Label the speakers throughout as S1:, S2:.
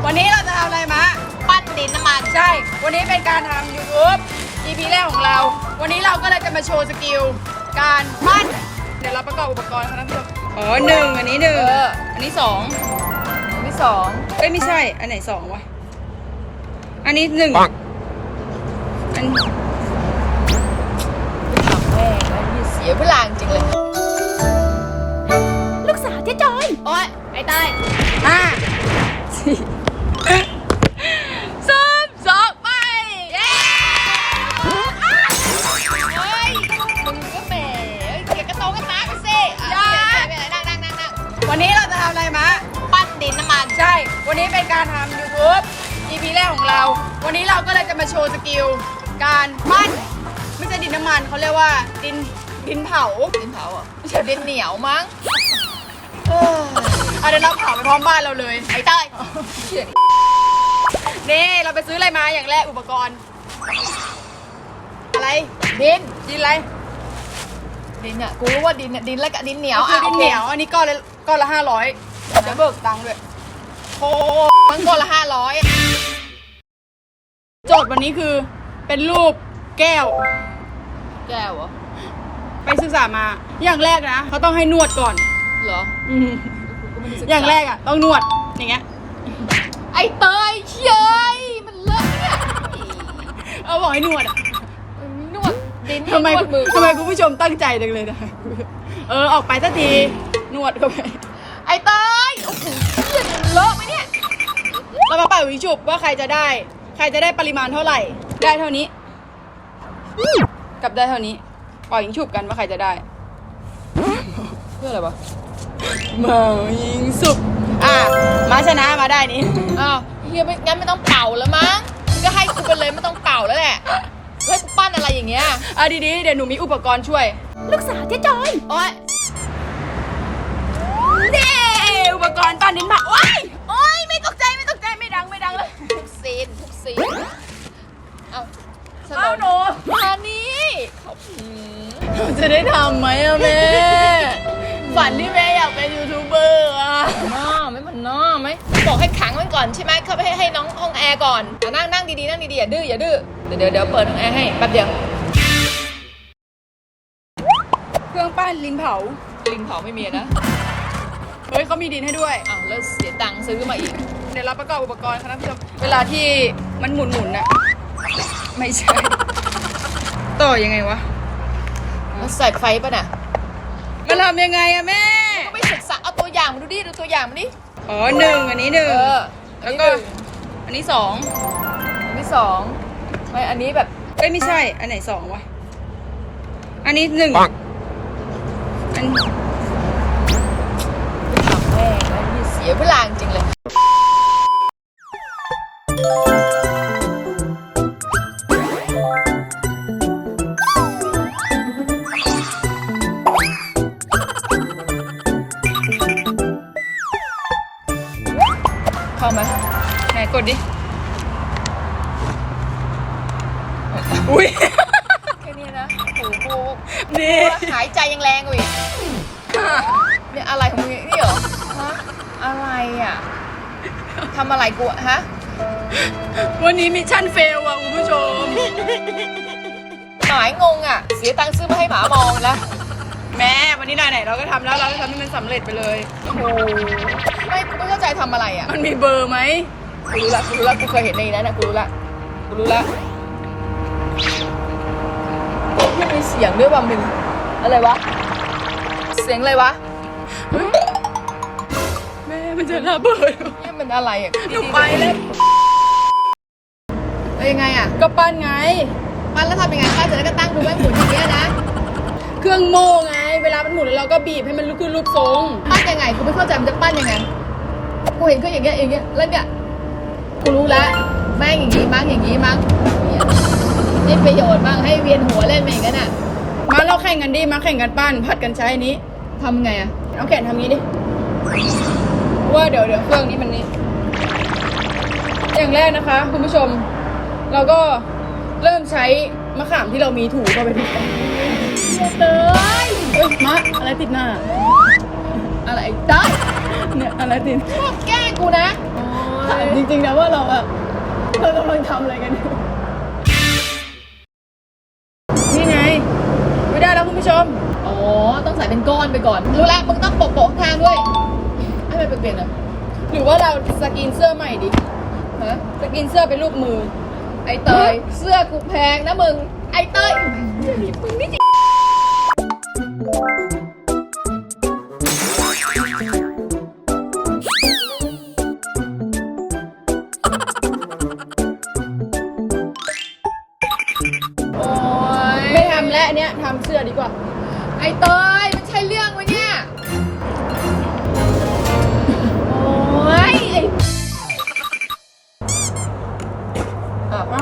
S1: วันนี้เราจะทำอะไรมา
S2: ปั้นดินน้ำมัน
S1: ใช่วันนี้เป็นการทำ YouTube EP แรกของเราวันนี้เราก็เลยจะมาโชว์สกิลการปั้นเดี๋ยวเราประกอบอุปกรณ์ค่ะท่านผู้ชมอ๋อหนึ่งอันนี้หนึ่งอันนี้สอง
S2: อันที่สอง
S1: เอ้ยไม่ใช่อันไหนสองวะอันนี้หนึ่งอัน
S2: ทำแม่งแล้วมีเสียเวลาจริงเลย
S3: ลูกสาวเจ๊จอย
S2: โอ๊ยไอ้เต้ย
S1: สี่
S2: สามสองไปเย้เฮ้ยมึงก็แหมเกียกระโตกระตากกันสินั่ง
S1: วันนี้เราจะทำอะไรมา
S2: ปั้นดินน้ำมัน
S1: ใช่วันนี้เป็นการทำ YouTube EP แรกของเราวันนี้เราก็เลยจะมาโชว์สกิลการปั้นไม่ใช่ดินน้ำมันเขาเรียกว่าดินเผา
S2: อ่ะไม่ใช่ดินเหนียวมั้ง
S1: เดี๋ยวเราเผาไปพร้อมบ้านเราเลย
S2: ไอ้เต้ย
S1: นี่เราไปซื้ออะไรมาอย่างแรกอุปกรณ์อะไร
S2: ดิน
S1: อะไร
S2: ดินอ่ะกูรู้ว่าดินเนี่ยดินแล้วกับดินเหนียว
S1: คือดินเหนียวอันนี้ก้อนละ500จะเบิกตังค์ด้วย
S2: โอ้มันก้อนละ500
S1: โจทย์วันนี้คือเป็นรูปแก้ว
S2: เหรอ
S1: ไปศึกษามาอย่างแรกนะเขาต้องให้นวดก่อน
S2: เหรอ
S1: อย่างแรกอ่ะต้องนวดอย่างเงี้ย
S2: ไอ้เตยเชยมันเลิกเนี่ย
S1: บอกให้นวดอ่ะ
S2: นวดดิน
S1: ทำไมคุณผู้ชมตั้งใจจังเลยนะออกไปสักทีนวดเข้าไป
S2: ไอ้เตยโอ้โหเลอะไหมเนี่ย
S1: เรามาเป่าวิชุบว่าใครจะได้ปริมาณเท่าไหร่ได้เท่านี้กับได้เท่านี้ปล่อยยิงฉุบกันว่าใครจะได้
S2: เพื่ออะไรวะ
S1: มายิงสุบมาชนะมาได้นี่
S2: อ้าวเฮียไม่งั้นไม่ต้องเป่าแล้วมั้งก็ให้กูไปเลยไม่ต้องเป่าแล้วแหละให้กูปั้นอะไรอย่างเงี้ย
S1: ดีๆเดี๋ยวหนูมีอุปกรณ์ช่วย
S3: ลูกสาวเจ๊จอย
S2: โอ๊ย
S1: นี่อุปกรณ์ปั้นดินเผาโอ๊ยไม่ตกใจไม่ดังเลย
S2: ทุกซีน
S1: เอาหนู
S2: มานี่
S1: จะได้ทำไหมอะแม่ฝันที่แม่อยากเป็นยูทูบเบอร์อะ
S2: ไม่มันไหมบอกให้ขังมันก่อนใช่ไหมเข้าไปให้น้องห้องแอร์ก่อนนั่งดีอย่าดื้อเดี๋ยวเปิดห้องแอร์ให้แป๊บเดียว
S1: เครื่องปั้นลินเผา
S2: ไม่มีนะ
S1: เฮ้ยเขามีดินให้ด้วย
S2: แล้วเสียตังค์ซื้อมาอีก
S1: เดี๋ยวเราประกอบอุปกรณ์ค่ะท่านผู้ชมเวลาที่มันหมุนน่ะไม่ใช่ต่อยังไงวะ
S2: มันใส่ไฟป่ะน่ะ
S1: มันทำยังไงอะแม่
S2: ก็ไปศึกษาเอาตัวอย่างมาดูตัวอย่างมาดิ
S1: อ๋อหนึ่งอันนี้หนึ่งแล้วก็อันนี้สอง
S2: ไม่อันนี้แบบ
S1: เอ้ยไม่ใช่อันไหนสองวะอันนี้หนึ่งอัน
S2: ทำแม่งแล้วมีเสียเวลาจริงเลยเข้าไหม
S1: ไหนกดดิอุ้ย
S2: แค่นี้นะโอ้โห
S1: นี่
S2: หายใจยังแรงกว่าอีกเนี่ยอะไรของมึงนี่เหรอฮะอะไรอ่ะทำอะไรกูฮะ
S1: วันนี้มิชชั่นเฟลอ่ะคุณผู้ชม
S2: หมายงงอ่ะเสียตังค์ซื้อมาให้หมามองแล้ว
S1: แม่วันนี้ไหนเราก็ทำแล้วเราก็ทำให้มันสำเร็จไปเลย
S2: โอ้โหไม่เข้าใจทำอะไรอ่ะ
S1: มันมีเบอร์ไหม
S2: กูรู้ละกูเคยเห็นในนั้นนะกูรู้ละไม่มีเสียงด้วยว่ะมึงอะไรวะเสียงอะไรวะ
S1: แม่มันจะระเบิด
S2: นี่มันอะไรอ่ะ
S1: หนูไปเลย
S2: ยังไงอ่ะ
S1: ก็ปั้นไง
S2: ปั้นแล้วทำยังไงปั้นเสร็จแล้วก็ตั้งดูไว้หมุนอย่างเงี้ยนะ
S1: เครื่องโม่ไงเวลามันหมุนแล้วเราก็บีบให้มันขึ้นรูปทรง
S2: ปั้นยังไงกูไม่เข้าใจมันจะปั้นยังไงกูเห็นเครื่องอย่างเงี้ยแล้วเนี่ยกูรู้แล้วแม่งอย่างงี้มั้งนี่ประโยชน์บ้างให้เวียนหัวเล่นไปอย่างนั้นอ่ะ
S1: มาเราแข่งกันดิมาแข่งกันปั้นผัดกันใช้อันนี้
S2: ทำไงอ่ะ
S1: เอาแขนทำงี้ดิว่าเดี๋ยวเครื่องนี้มันนี่อย่างแรกนะคะคุณผู้ชมเราก็เริ่มใช้มะขามที่เรามีถูเข้าไปทุกคน
S2: เลย
S1: มะอะไรติดหน้า
S2: อะไรได้
S1: เนี่ยอะไรติด
S2: ชอบแกล้งกูนะ
S1: อ๋อ
S2: ถามจริงๆนะว่าเรากำลังทำอะไรกันอยู่
S1: นี่ไง ไม่ได้แล้วคุณผู้ชม
S2: อ๋อต้องใส่เป็นก้อนไปก่อนรู้แล้วมึงต้องโปะๆข้างด้วยให้มันเปลี่ยนๆอ่ะ
S1: หรือว่าเราสกินเสื้อใหม่ดิ
S2: ฮะ
S1: สกินเสื้อเป็นรูปมือ
S2: ไอเตยเสื้อกูแพงนะมึงไอเตยมึงนี่จริงโอ้ย
S1: ไม่ทำแล้วอันเนี้ยทำเสื้อดีกว่า
S2: ไอเตยมันใช่เรื่องไหมเนี่ยโอ้ยไอ
S1: อ้าว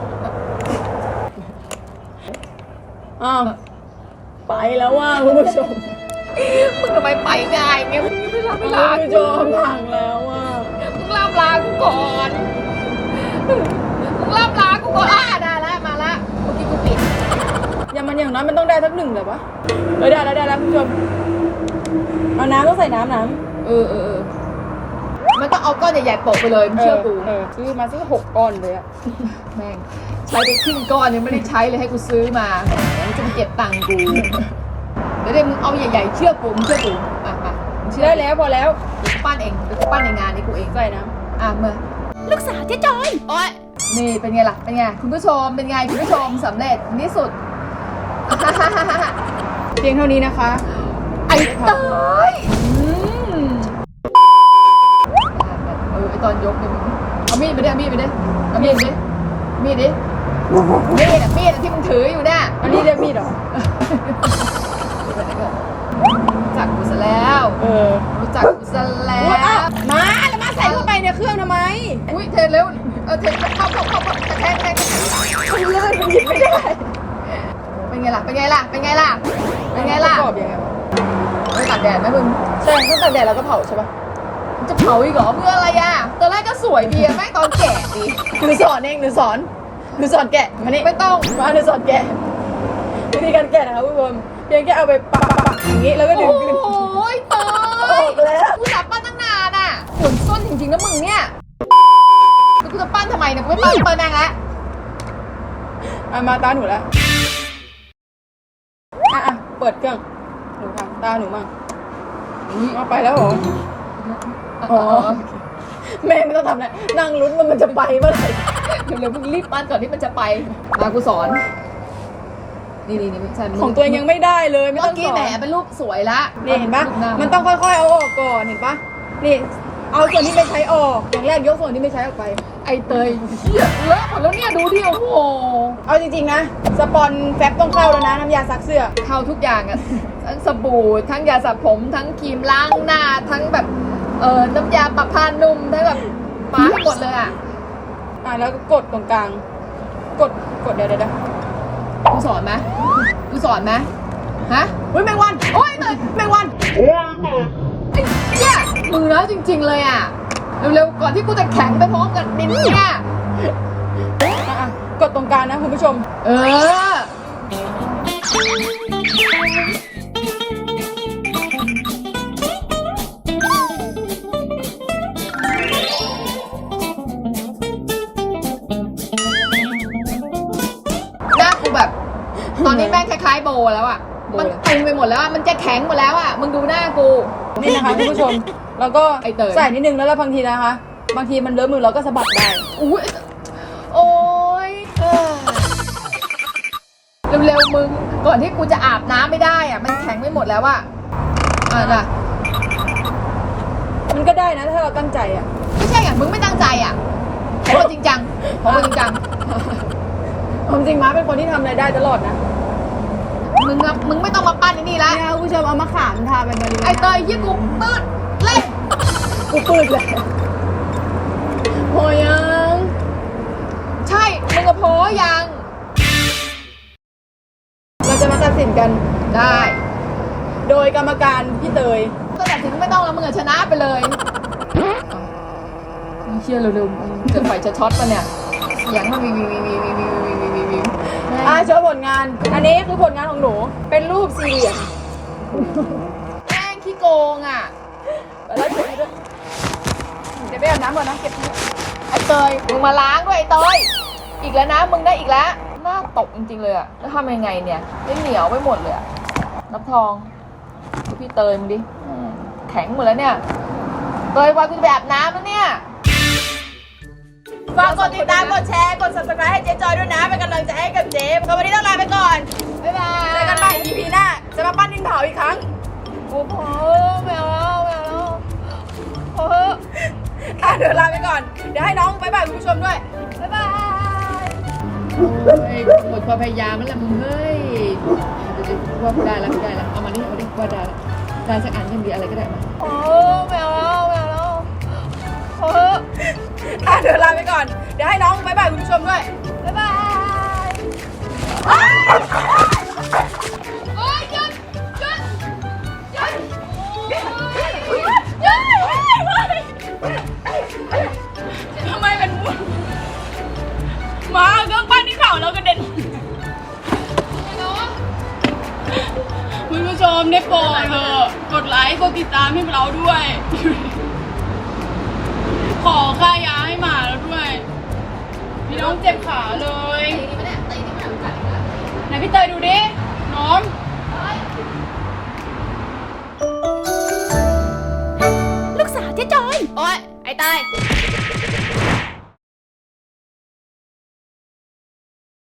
S1: อ้าวไปแล้วว่าคุณผู้ชม
S2: มึงทำไมไปง่ายเงี้ยมึงไม่รับเวลา
S1: คุณผู้ชมพังแล้วว่า
S2: มึงรับลากูก่อนมึงรับลากูก่อนได้แล้วมาละเมื่อกี้กูปิด
S1: อย่างน้อยมันต้องได้สักหนึ่งเลยวะได้แล้วคุณผู้ชมเอาน้ำต้องใส่น้ำ
S2: เออมันต้องเอาก้อนใหญ่ๆโปะไปเลยมึงเชื่อกู
S1: ซื้อมาสัก6 ก้อนเลยอะ
S2: แม่งใช้ไปครึ่งก้อนยังไม่ได้ใช้เลยให้กูซื้อมามันจะไปเก็บตังค์กูเดี๋ยวมึงเอาใหญ่ๆเชื่อกูมึงเชื่อกูมามึงเชื่อ
S1: ได้แล้วพอแล้ว
S2: เดี๋ยวกูปั้นเองเดี๋ยวกูปั้นในงานนี้กูเอง
S1: ใส่น้
S2: เมื่อ
S3: ลูกสาวเจ๊จอย
S2: โอ๊ยนี่เป็นไงล่ะเป็นไงคุณผู้ชมเป็นไงคุณผู้ชมสำเร็จที่สุด
S1: ำเพียงเท่านี้นะคะ
S2: ไอ้เตยไอตอนยกเนี่ยมึงเอามีดไปดิเอามีดไปดิเอามีดดิมีดดิมีดที่มึงถืออยู่เนี่ย
S1: อันนี้เรียกมีดเหรอ
S2: รู้จักกูซะแล้ว รู้จักกูซะแล้
S1: อุ๊ยอ้าว
S2: ว
S1: แล้วมาใส่เข้าไปในเครื่องทำไม
S2: อุ้ยเทเร็วเทเข้าแทง
S1: มันลื่นมันหยิบไม่ได้
S2: เป็นไงล่ะเป็นไงล่ะเป็นไงล่ะเป็นไงล่ะ
S1: ประกอบยังไงวะ
S2: ไม่ตากแดดไหมมึง
S1: ใช่ต้องตากแดดแล้วก็เผาใช่ปะ
S2: จะเผาอีกเหรอเพื่ออะไรอ่ะตอนแรกก็สวยดีอะแม่งตอนแก่ดี
S1: หนูสอนเองหนูสอนแกะมานี่
S2: ไม่ต้อง
S1: มาหนูสอนแกะวิธีการแกะนะคะคุณผู้ชมเพียงแค่เอาไปปักอย่างนี้แล้วก็ดึงขึ้น
S2: โอ้ยเต
S1: ออย กแล้ว
S2: กูจับปั้นตั้งนานอ่ะขนส้นจริงๆนะมึงเนี่ยแล้วกูจะปั้นทำไมเนี่ยกูไม่ปั้นเปิดแมงแล้ว
S1: มาตาหนูแล้วเปิดเครื่องหนูทำตาหนูมั่งเอาไปแล้วเหรอ อ๋อ แม่ไม่ต้องทำอะไรนั่งลุ้นมันจะไปเมื่อไหร่
S2: เร็วๆมึงรีบปั้นก่อนที่มันจะไปมากูสอนนี่ใช่
S1: ของตัวเองยังไม่ได้เลยไม่
S2: เมื่
S1: ต้
S2: อ
S1: อง
S2: กี้
S1: สอ
S2: แหม
S1: น
S2: เป็นรูปสวยละ
S1: นี่เห็นปะ
S2: รูหา
S1: มันต้องค่อยๆเอาออกก่อนเห็นปะนี่เอาส่วนที่ไม่ใช้ออกอย่างแรกยกส่วนที่ไม่ใช้ออกไป
S2: ไอเตยเหี้ยเลอะหมดแล้วเนี่ยดูดิโอ้โห
S1: เอาจริงๆนะสปอนแฟบต้องเข้าแล้วนะน้ำยาซักเสื้อ
S2: เข้าทุกอย่างอะทั้งสบู่ทั้งยาสระผมทั้งครีมล้างหน้าทั้งแบบน้ำยาปรับผ้านุ่มทั้งแบบปาให้หมดเลยอะ
S1: แล้วก็กดตรงกลางกดเดี๋ยว
S2: กูสอนไหมกูสอนไหมฮะ
S1: อุ้ยแมงวัน
S2: โอ้ยเตย
S1: แมงวัน
S2: ไอ้เหี้ยมือแล้วจริง ๆ เลยอะเร็วๆก่อนที่กูจะแข็งไปพร้อมกับดินเนี่ย
S1: กดตรงกลางนะคุณผู้ชม
S2: เออหน้ากูแบบ ตอนนี้แม่งคล้ายๆโบแล้วอ่ะ มันตึงไปหมดแล้วอ่ะ มันจะแข็งหมดแล้วอ่ะ มึงดูหน้ากู
S1: นี่นะคะคุณผู้ชมแล้วก็
S2: ไอ้เตย
S1: ใส่นิดนึงแล้วบางทีนะคะ บางทีมันเลอะมือเราก็สะบัดได้
S2: อุ้ยโอ้ยเร็วๆมึง ก่อนที่กูจะอาบน้ำไม่ได้อ่ะ มันแข็งไปหมดแล้วอ่ะน่ะ
S1: มันก็ได้นะถ้าเราตั้งใจอ่ะ
S2: ไม่ใช่อ่ะ มึงไม่ตั้งใจอ่ะขอจริงจังขอจริงจัง
S1: ความจริงม้าเป็นคนที่ทำอะไรได้ตลอดนะ
S2: มึงไม่ต้องมาปั้นไอ้นี่ละ
S1: เนี่ยคุณผู้ชมเอามะขามทาไปมาเลย
S2: ไอเตยยี่กูปืดเล่น
S1: กูปืดเลยพอยัง
S2: ใช่ มึงกับพอยัง
S1: เราจะมาตัดสินกัน
S2: ได้
S1: โดยกรรมการพี่เตย
S2: ก็แต่ถึงไม่ต้องแล้วมึงอะชนะไปเลยเชี่ยเร็วๆจะไฟจะช็อตปะเนี่ยเสียงมันวี
S1: โชว์ผลงาน อันนี้คือผลงานของหนู เป็นรูปสี่เหลี่ยม
S2: แม่งขี้โกงอ่ะ
S1: แล้วเดี๋ยวไปอาบน้ำก่อนนะเก็บ
S2: ไอ้เตยมึงมาล้างด้วยไอ้เตยอีกแล้วนะมึงได้อีกแล้วหน้าตกจริงๆเลยอะแล้วทำยังไงเนี่ยไม่เหนียวไปหมดเลยอะน้ำทองดูพี่เตยมึงดิแข็งหมดแล้วเนี่ยเตยวันกูจะไปอาบน้ำแล้วเนี่ย
S1: ฝากกดติดตามกดแชร์กด subscribe ให้เจ๊จอยด้วยนะเป็นกำลังใจให้กับเจ๊วันนี้ต้องลาไปก่อน
S2: บ๊ายบาย
S1: เจอกันใหม่ EP หน้าจะมาปั้นดินเผาอีกครั้ง
S2: โอ้โหไม่เอาแล้วไม่เอาแล้วโอ้โห
S1: เดี๋ยวลาไปก่อนเดี๋ยวให้น้องบ๊ายบายคุณผู้ชมด้วย
S2: บ๊ายบาย
S1: หมดความพยายามแล้วล่ะมึงเฮ้ยว่าได้แล้วเอามานี่ว่าได้สักอันยังดีอะไรก็ได้มา
S2: โอ้ไม่เอาแล้วไม่เอาแล้วโอ้โห
S1: เดี๋ยวลาไปก่อนเดี๋ยวให้น้องบ๊ายบายคุณผู้ชมด้วย
S2: บ๊ายบาย
S1: โอ้ยหยุดทำไมเป็นมุนมาเครื่องปั้นที่เผาแล้วกระเด็นคุณผู้ชมได้โปรดเถอะกดไลค์กดติดตามให้เราด้วย ขอค่ายาให้หมาแล้วด้วยพี่น้องเจ็บขาเลย
S2: ตีนี่ไม่ได้ตีนี่ไม่ได้กัดอีกแล้ว
S1: ไหนพี่เตยดูดิ น้อง
S3: ลูกสาวเจ๊จอย
S2: โอ๊ยไอ้ตาย